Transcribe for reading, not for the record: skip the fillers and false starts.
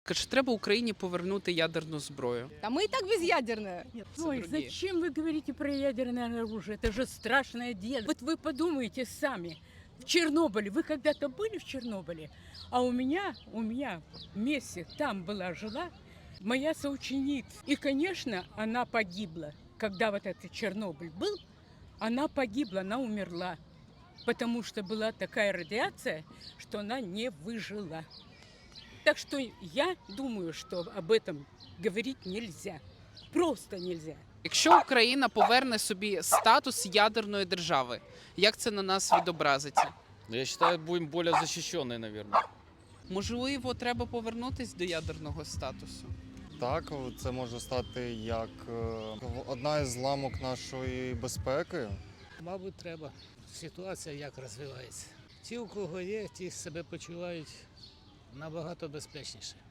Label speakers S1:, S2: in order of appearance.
S1: Чи треба Україні повернути ядерну зброю?
S2: А мы и так безъядерная.
S3: Ой,
S1: другие.
S3: зачем вы говорите про ядерное оружие? Это же страшное дело. Вот вы подумайте сами. В Чернобыле, вы когда-то были в Чернобыле? А у меня вместе там жила моя соученица. И, конечно, она погибла. Когда вот этот Чернобыль был, она погибла, она умерла. Потому что была такая радиация, что она не выжила. Так что я думаю, что об этом говорить нельзя. Просто нельзя.
S1: Якщо Україна поверне собі статус ядерної держави, як це на нас відобразиться?
S4: Я считаю, будем более защищенные, наверное.
S1: Можливо, треба повернутись до ядерного статусу.
S5: Так, це може стати як одна із ламок нашої безпеки.
S6: Мабуть, треба. Ситуація як розвивається. Ті, у кого є, ті себе почувають набагато безпечніше.